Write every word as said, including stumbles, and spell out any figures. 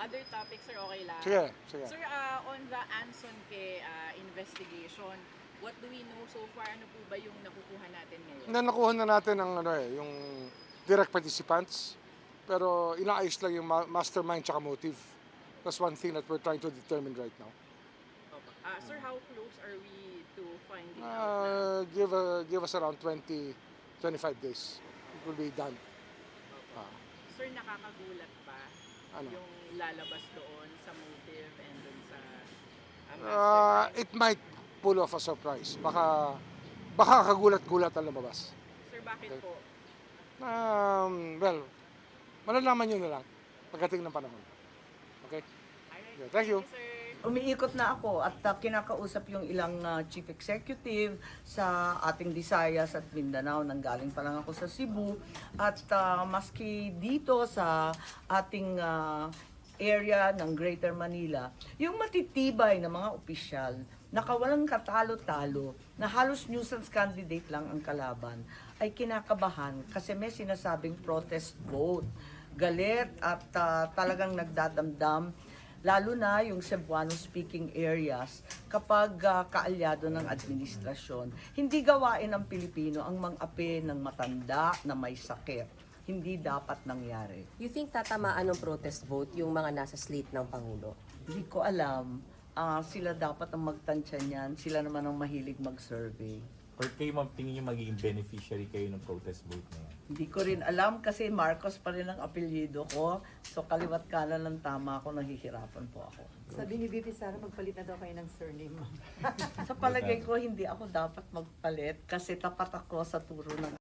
other topics, sir, okay lang. Sige, sige. Sir, uh, on the Anson Ke uh, investigation, what do we know so far? Ano po ba yung nakukuha natin ngayon? Na nakuha na natin ang ano eh, yung direct participants. Pero inaayos lang yung ma- mastermind tsaka motive. That's one thing that we're trying to determine right now. Opo. Uh, sir, how close are we to finding out na? Uh, give, uh, give us around twenty, twenty-five days. It will be done. Opo. Ah. Sir, nakakagulat ba Ano? yung lalabas doon sa motive and dun sa uh, Uh, mastermind? it might pull off a surprise. Baka, baka kagulat-gulat ang lumabas. Sir, bakit Okay. po? Um, well, malalaman nyo na lang pagdating ng panahon. Okay? Alright. Okay, thank you. sir. Umiikot na ako at uh, kinakausap yung ilang uh, chief executive sa ating Visayas at Mindanao. Nanggaling pa lang ako sa Cebu. At uh, maski dito sa ating uh, area ng Greater Manila, yung matitibay na mga opisyal, nakawalang katalo-talo, na halos nuisance candidate lang ang kalaban, ay kinakabahan kasi may sinasabing protest vote. Galit at uh, talagang nagdadamdam, lalo na yung Cebuano-speaking areas kapag uh, kaalyado ng administrasyon. Hindi gawain ng Pilipino ang mang-api ng matanda na may sakit. Hindi dapat nangyari. You think tatamaan ng protest vote yung mga nasa slate ng Pangulo? Hindi ko alam. Ah, sila dapat ang magtansya niyan. Sila naman ang mahilig mag-survey. Or kayo ma'am, tingin nyo magiging beneficiary kayo ng protest vote na yan? Hindi ko rin alam kasi Marcos pa rin ang apelyido ko. So kaliwat kanan ng tama ako, nahihirapan po ako. Sabi ni B P Sara, magpalit na daw kayo ng surname mo. Sa palagay ko, hindi ako dapat magpalit kasi tapat ako sa turo ng